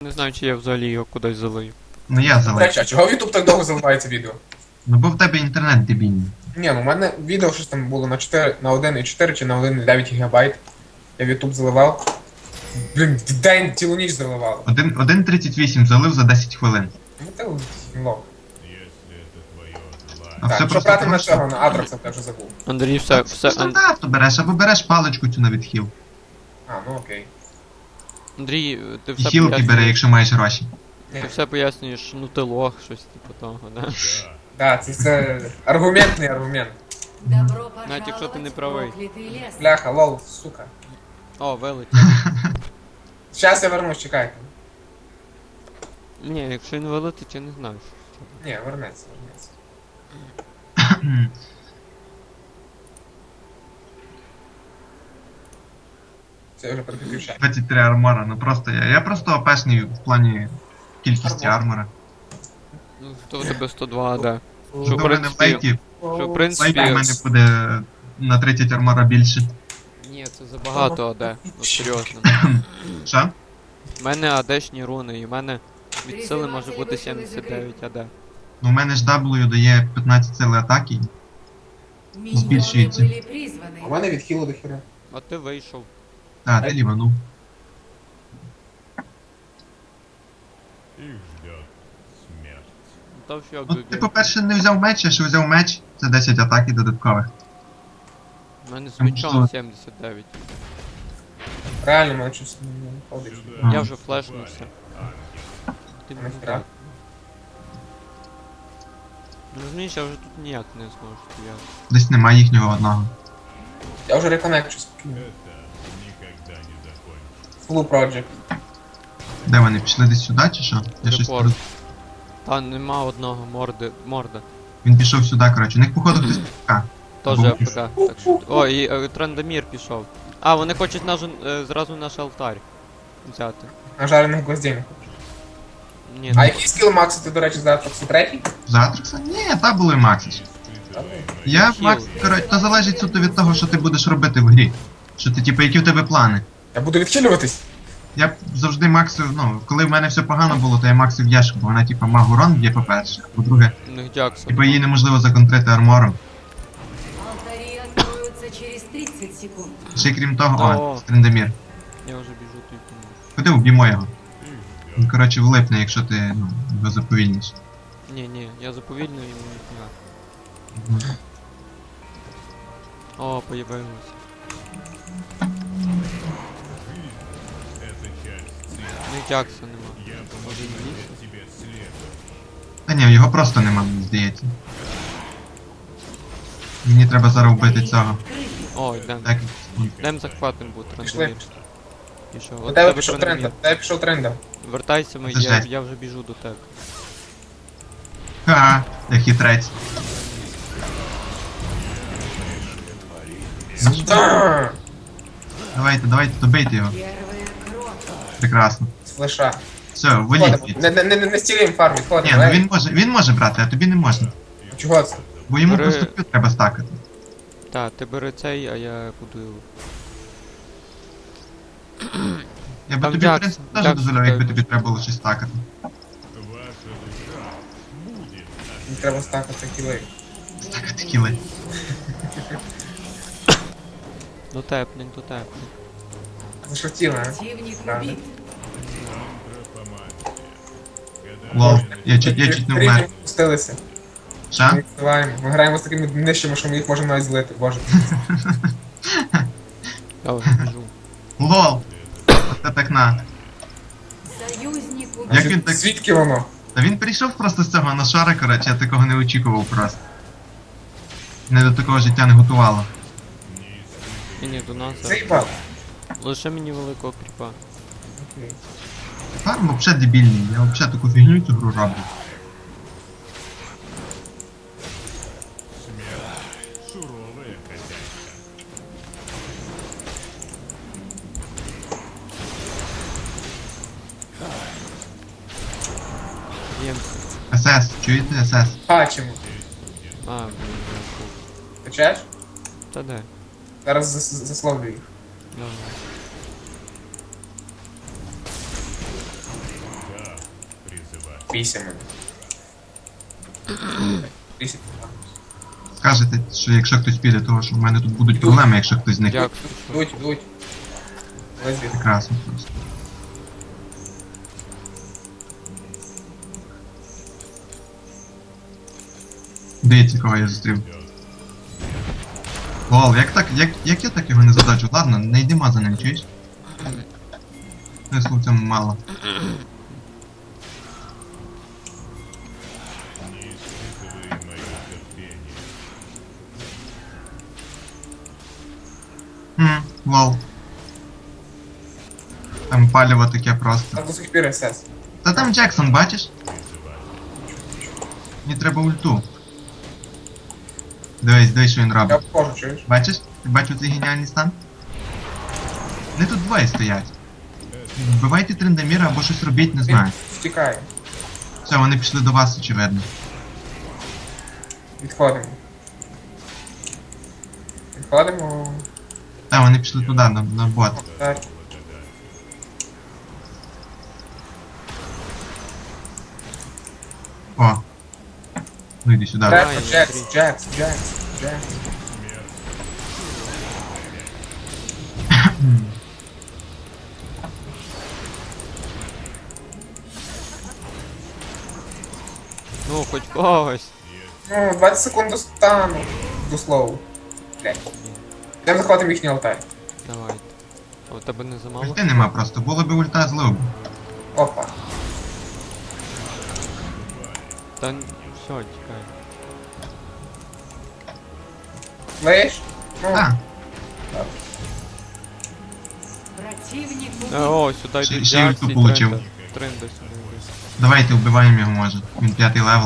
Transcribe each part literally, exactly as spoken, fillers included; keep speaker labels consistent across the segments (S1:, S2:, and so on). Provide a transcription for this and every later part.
S1: Не знаю, чи я взагалі його кудись залию.
S2: Ну я
S3: До
S2: залив.
S3: речі, а чого YouTube так довго заливається відео?
S2: Ну бо в тебе інтернет дебільний.
S3: Ні, ну в мене відео щось там було на чотири, на один і чотири чи на один і дев'ять гігабайт. Я в YouTube заливав. Блін, в день цілу ніч заливав.
S2: Один- один тридцять вісім залив за десять хвилин.
S3: Ну ти лох.
S2: А
S3: Так,
S2: все
S3: що
S2: просто
S3: брати
S2: тому,
S3: на
S2: що...
S3: цього, на Атракса, я вже забув.
S1: Андрій, все, все, Ан-
S2: Стандартно береш, або береш паличку цю на відхил.
S3: А, ну окей.
S1: Андрій, ти
S2: І
S1: все
S2: хілки бери,
S1: пояснюєш,
S2: якщо маєш гроші.
S1: ти все пояснюєш, ну ти лох, щось типу того, да?
S3: Так, це, це аргументний аргумент.
S4: Добро
S1: Навіть якщо ти не правий.
S4: пожаловать в проклятый лес.
S3: Бляха, лол, сука.
S1: О, вилетів.
S3: Щас я вернусь, чекайте.
S1: Ні, якщо він вилетить, я не знаю.
S3: Ні, вернеться, вернеться. Це я вже переключаю.
S2: двадцять три армора, ну просто я. Я просто опешний в плані кількості
S3: Армор.
S2: армора.
S1: Ну, то у тебе сто два, да.
S2: Ну,
S1: Що,
S2: в
S1: в
S2: мене в
S1: принципі,
S2: лейті,
S1: що, в
S2: в
S1: принципі,
S2: лейті в мене буде на тридцять армора більше.
S1: ні, це забагато АД, ну серйозно.
S2: Що?
S1: У мене АДшні руни, і в мене від сили може бути сімдесят дев'ять АД.
S2: Ну в мене ж W дає п'ятнадцять сили атаки.
S4: Миньоны
S2: Збільшується.
S4: были призваны.
S3: У мене від хілу до хіра.
S1: А ти вийшов.
S2: А, ти ліванув.
S5: Их ждет смерть.
S1: Ну та все,
S2: Ну ти,
S1: Гугі.
S2: по-перше, не взяв меч, а що взяв меч, це десять атаки додаткових.
S1: У мене з
S2: Там
S1: мечом
S2: що?
S1: сімдесят дев'ять.
S3: Реально, мене щось не виходить.
S2: А.
S1: Я вже флешнувся. Ти мені
S3: Нахера?
S1: так. Ну розумієш, я вже тут ніяк не зможу стояти.
S2: Десь немає їхнього одного.
S3: Я вже реконнекчу спокійно.
S5: Это никогда не закончится.
S3: Full Project.
S2: Де вони? Пішли десь сюди чи що? Я щось
S1: Репорт.
S2: тут-
S1: Та нема одного морди, морда.
S2: Він пішов сюди, коротше. У них походу хтось така.
S1: Тоже
S2: Був.
S1: АФК. Так що... О, і е, Трандамір пішов. А, вони хочуть наш, е, зразу наш алтарь взяти.
S3: Нажарених гвоздей.
S1: Ні,
S3: А
S1: ну,
S3: який скіл Макса ти, до речі, за Атраксу третій?
S2: Затракса? Ні, та було і Максич. Я,
S1: Хіл.
S2: Макс, коротше, то залежить суто від того, що ти будеш робити в грі. Що ти, типу, які в тебе плани.
S3: Я буду відхилюватись.
S2: Я б завжди Максу, ну, коли в мене все погано було, то я Максу в'яшку, бо вона, типу, маг урон б'є, по-перше. А по-друге,
S1: у них Джаксон.
S2: типу, її неможливо законтрити армором.
S4: Алтари откроются через тридцать секунд.
S2: Ще й крім того,
S1: О.
S2: о, Стрендемір.
S1: Я вже біжу тут.
S2: Ходи, уб'ємо його. Він, коротше, влипне, якщо ти, ну, його заповільниш.
S1: Ні, ні, я заповільнюю йому ніфіга. О, появилось.
S5: Эта часть
S1: У них Джакса нема. Може він ліс?
S5: тебе след.
S2: Та ні, його просто нема, мені здається. Мені треба зараз вбити цього.
S1: О, йдем.
S2: Так,
S1: Йдем захватим буде
S3: Пішли.
S1: Трандамір. І що?
S3: До
S1: От
S3: тебе
S1: тебе
S3: пішов
S1: Трандамір.
S3: тренда. До тебе пішов тренда.
S1: Вертайся, ми,
S2: Це
S1: я,
S2: жесть.
S1: я вже біжу до тебе.
S2: ха, я хитрець. Ну, що?
S3: Та!
S2: Давайте, давайте, добийте його.
S4: Первая кровь.
S2: Прекрасно.
S3: З флеша.
S2: Все, валіть.
S3: Ходимо. Не, не, не, не стіліємо фарм,
S2: Ні,
S3: відходимо.
S2: ну
S3: Ей,
S2: він може, він може брати, а тобі не можна.
S3: Чого це?
S2: Бо йому
S1: Бери-
S2: просто Q треба стакати.
S1: Та, ти бери цей, а я буду.
S2: Я би
S1: Там
S2: тобі, в
S1: Джакс-
S2: принципі, теж
S1: Джакс
S2: дозволяв, якби
S1: дай
S2: тобі треба було щось стакати.
S5: Ваша душа будет
S3: Мені треба стакати кілей.
S2: Стакати кіли.
S1: Дотепнень, дотепнень.
S3: Зашортіли, а?
S4: Противник
S3: Правда.
S4: убит.
S2: Лол, я чуть, я чуть не вмер.
S3: Рівні спустилися.
S2: Що?
S3: Ми впливаємо. Ми граємо з такими нижчими, що ми їх можемо навіть злити, боже.
S1: Я вже біжу.
S2: Лол! Оце так на.
S4: Союзник
S2: Як
S4: убит.
S2: він так-
S3: Звідки воно?
S2: Та він прийшов просто з цього на шара, коротше, я такого не очікував просто. Не до такого життя не готувало.
S1: Ні, ні, до нас. зараз.
S3: Заїбав.
S1: Лише мені великого кріпа.
S3: Окей.
S2: Фарм взагалі дебільний, я взагалі таку фігню цю гру роблю.
S5: суровая хозяйка.
S1: Б'ємся.
S2: СС, чуєте СС?
S3: Бачимо.
S1: А, блін, я був.
S3: Качаєш?
S1: Та де?
S3: Зараз зас- засловлю їх.
S1: Давай.
S3: Бійся мене. Бійся.
S2: Скажете, що якщо хтось піде, то що в мене тут будуть проблеми, якщо хтось з них.
S1: Як?
S3: Дуть, дуть. Лезі.
S2: Прекрасно просто. Дивіться, кого я зустрів. Лол, як так, як, як я так його не задачу? Ладно, не йдемо за ним, чуєш? Смислу в цьому мало.
S5: Не испытывай мое терпение.
S2: Хм, лол. Там паліво таке просто.
S3: Там до сих пір СС.
S2: Та там Джексон, бачиш? Мені треба ульту. Дивись, дивись, що він
S3: Я
S2: робить.
S3: обхожу, чуєш?
S2: Бачиш? Ти бачив цей геніальний стан? Вони тут двоє стоять. Вбивайте Трендаміра або щось робіть, не
S3: Він
S2: знаю.
S3: втікає.
S2: Все, вони пішли до вас, очевидно.
S3: Відходимо. Відходимо.
S2: Та, вони пішли туди, на, на бот.
S3: Так.
S2: О. Ну йди сюди.
S1: Давай,
S3: Джекс,
S1: я
S3: Джекс,
S1: смотрю.
S3: Джекс, Джекс, Джекс.
S1: Ну, хоч когось.
S3: Ну, двадцять секунд до стану. До слову. Блядь. Йдемо захватимо їхній алтарь.
S1: Давайте. А у тебе не замало?
S2: Ульти нема просто, було би ульта злив.
S3: Опа.
S1: Та н- все, тікай.
S3: Слышь? Ну,
S2: А,
S4: Противник
S1: Е,
S4: убит.
S1: О, сюди
S2: Ще-
S1: йдуть
S2: ще
S1: Джакс
S2: ульту
S1: і
S2: получив.
S1: Тренда. Тренда сюди йде.
S2: давайте вбиваємо його може. Він п'ятий левел.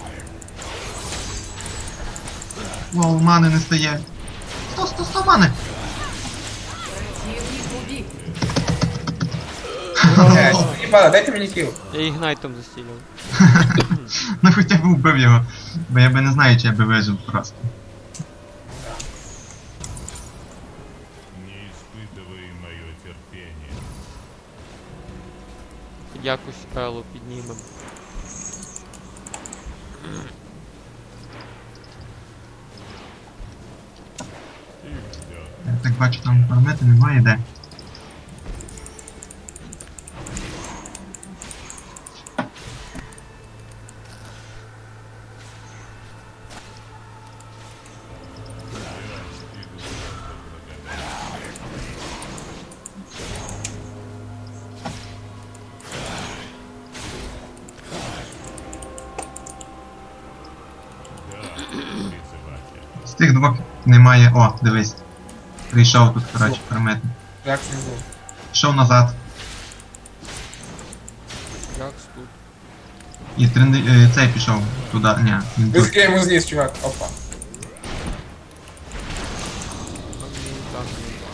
S2: Лол, мани не стає. Сто, сто, сто мани!
S4: Противник убит.
S3: блядь, мені пада, дайте мені кіл.
S1: Я ігнайтом застілив.
S2: Ну хоча б вбив його. Бо я би не знаю, чи я би вижив просто.
S5: Не испытывай мое терпение.
S1: Якось Елу піднімемо.
S5: Их ждет.
S2: Я так бачу, там фармити немає де.
S5: Призыватель.
S2: З тих двох немає. О, дивись. Прийшов тут, коротше, фармити.
S3: Джекс не був.
S2: Пішов назад.
S1: Джакс тут.
S2: І тренди... е, цей пішов туди. Ні, він тут.
S3: Високе йому зніс, чувак. Опа.
S1: А мені так.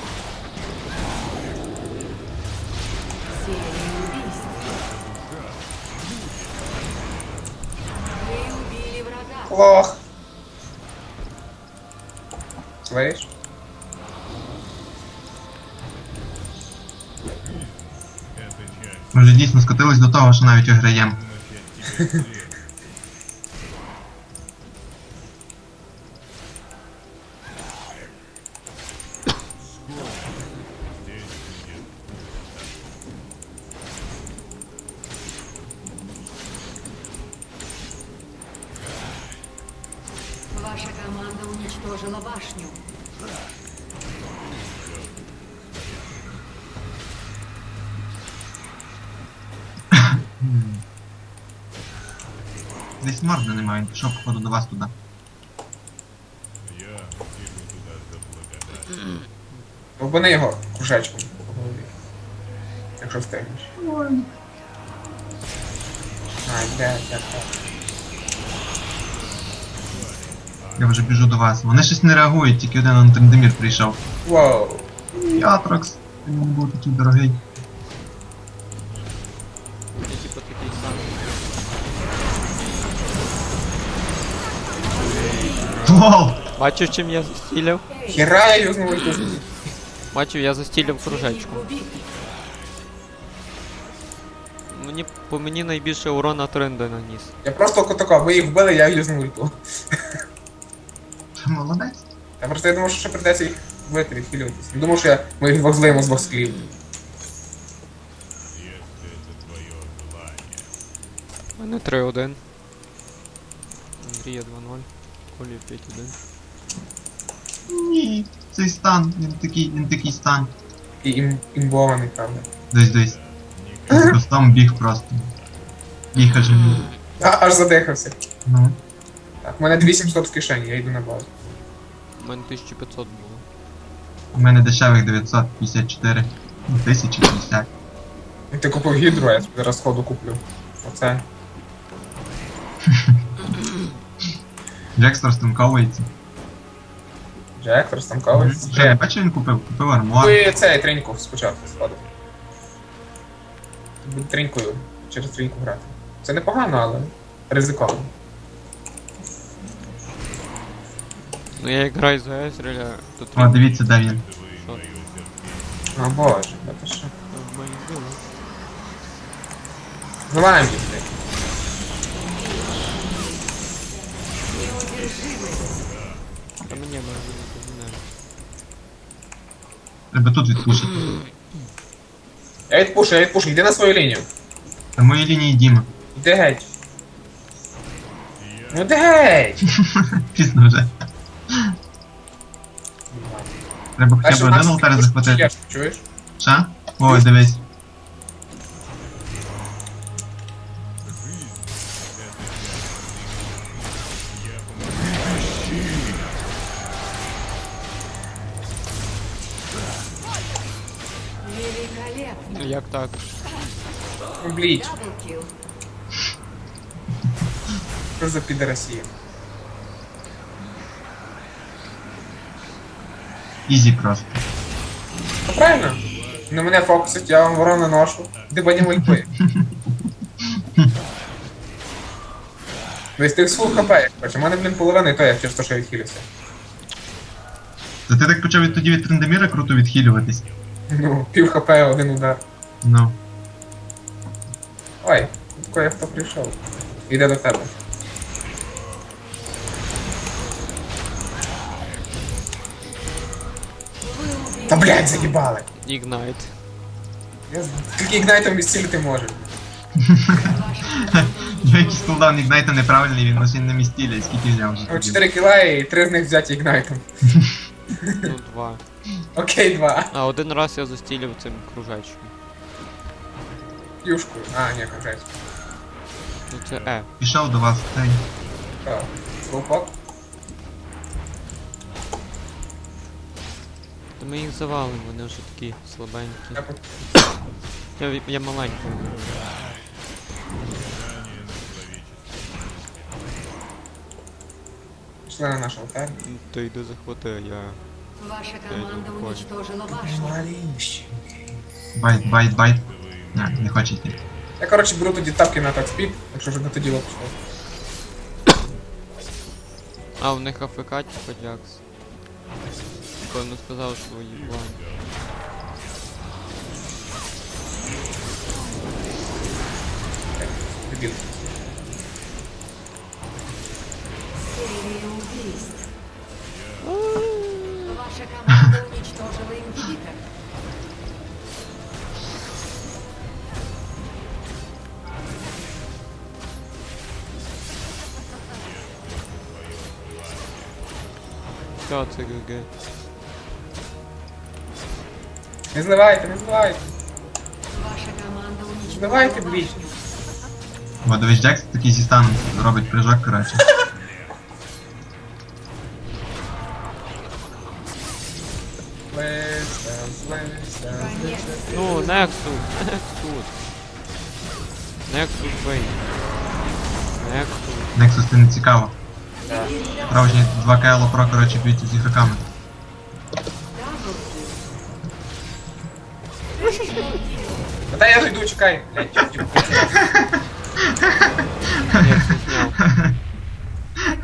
S4: Серия убийств. Вы убили врага.
S3: Лох. Слышь?
S5: Это часть
S2: Ми вже дійсно скотились до того, що навіть виграємо.
S5: начать тебе след. Скоро здесь будет
S4: Ваша команда уничтожила башню.
S2: Десь морда немає, він пішов походу до вас туди.
S5: я иду туда за благодарность.
S3: Обмани його кружечком по голові. Якщо встигнеш. Ай, блядь, як так.
S2: Я вже біжу до вас. Вони щось не реагують, тільки один он Трендемір прийшов.
S3: Воу.
S2: Ятрокс, він не був такий дорогий.
S1: Я типу такий самий.
S2: Лол!
S1: Бачив, чим я застілив?
S3: Хіра я юзнув ульту.
S1: Бачив, я застілив кружечку.
S4: Противник убит.
S1: Ну мені, по мені найбільше урона тренда наніс.
S3: Я просто тако, ви їх вбили, я юзнув ульту.
S2: Молодець.
S3: Я просто я думав, що ще придеться їх вбити, відхилюватися. Не думав, що я, ми їх двох злиємо з двох склів.
S5: Если это твое желание.
S1: У мене три один. Андрія два ноль. Колі п'ять один.
S2: Ні, цей стан, він такий, він такий стан.
S3: І ім, імбований, правда.
S2: Десь десь. З кустом біг просто. Біг аж мій.
S3: А, аж задихався.
S2: Ну.
S3: Так, у мене дві сімсот в кишені, я йду на базу.
S1: У мене тисяча п'ятсот було.
S2: У мене дешевих дев'ятсот п'ятдесят чотири. Ну, тисяча п'ятдесят.
S3: І ти купив гідру, а я собі зараз сходу куплю. Оце.
S2: Джекс розтанковується.
S3: Джек, розтанковий.
S2: Вже не бачив, він купив? Купив армор.
S3: Ви цей треньку спочатку сходив. Буду тренькою через треньку грати. Це непогано, але ризиковано.
S1: Ну я як граю за Езреля, то
S2: О, дивіться, де він.
S1: Що?
S3: О боже, це що?
S1: В моїх діло.
S3: Зливаємо їх.
S1: Та мені може бути не.
S2: Треба тут відпушити.
S3: Я відпушу, я відпушу, йди на свою лінію.
S2: На моїй лінії Діма.
S3: Йди геть. Ну йди геть!
S2: Пізно вже. Треба хоча б один алтар захватити.
S3: Чуєш?
S2: Ша? Ой, дивись.
S4: Великолепно.
S1: Як так?
S3: Ну бліть,
S4: Даблкил.
S3: що за підросія?
S2: Ізі просто.
S3: Ну правильно? На мене фокусить, я вам ворона ношу. Дибані мульпи. Весь тих з фул хп, як хочеш. У мене, блін, половина і то я через те, що я відхилюся.
S2: Та ти так почав від тоді від Трендеміра круто відхилюватись.
S3: Ну, пів хп, один удар.
S2: Ну.
S3: Ой, тако я хто прийшов. Іде до тебе. Та блядь, заїбали!
S1: Ігнайт.
S3: Я з- Тільки ігнайтом відцілити можу.
S2: Якийсь кулдаун Ігнайта неправильний, він лише на містілі, скільки взяв вже.
S3: О,
S2: тоді.
S3: чотири кіла і три з них взяті ігнайтом.
S1: Ну два.
S3: Окей, два.
S1: А один раз я застілив цим кружечком.
S3: Юшкою. А, ні, конкретно.
S1: Ну це Е.
S2: Пішов до вас, цей.
S3: Слоупок.
S1: Та ми їх завалимо, вони вже такі слабенькі.
S3: Я по-
S1: Я, я маленький.
S3: Пішли на наш алтарь.
S1: Ну, Ти йди захвати, а я.
S4: Ваша команда уничтожила башню.
S3: Маленький.
S2: Байт, байт, байт. Не, не хоче йти.
S3: Я, коротше, беру тоді тапки на атак-спід, якщо вже на тоді пішло.
S1: А, у них АФК типа Джакс. Певно сказав, що їблан.
S3: Дебіл.
S4: Серия убийств. Ваша команда уничтожила ингибитор.
S1: Все, це ГГ.
S3: Не зливайте, не зливайте.
S4: Ваша команда уничтожила
S3: Давайте, блін.
S4: башню.
S2: Бо дивись, Джекс такий зі станом робить прыжок, коротше.
S3: Злися, злися, злися.
S1: Ну, Нексус, Нексус. Нексус бей. Нексус.
S2: Nexus це не цікаво.
S3: Да.
S2: Справжні два К Про, коротше, б'ються з ігроками.
S3: Та я ж йду, чекай. Блядь, тільки-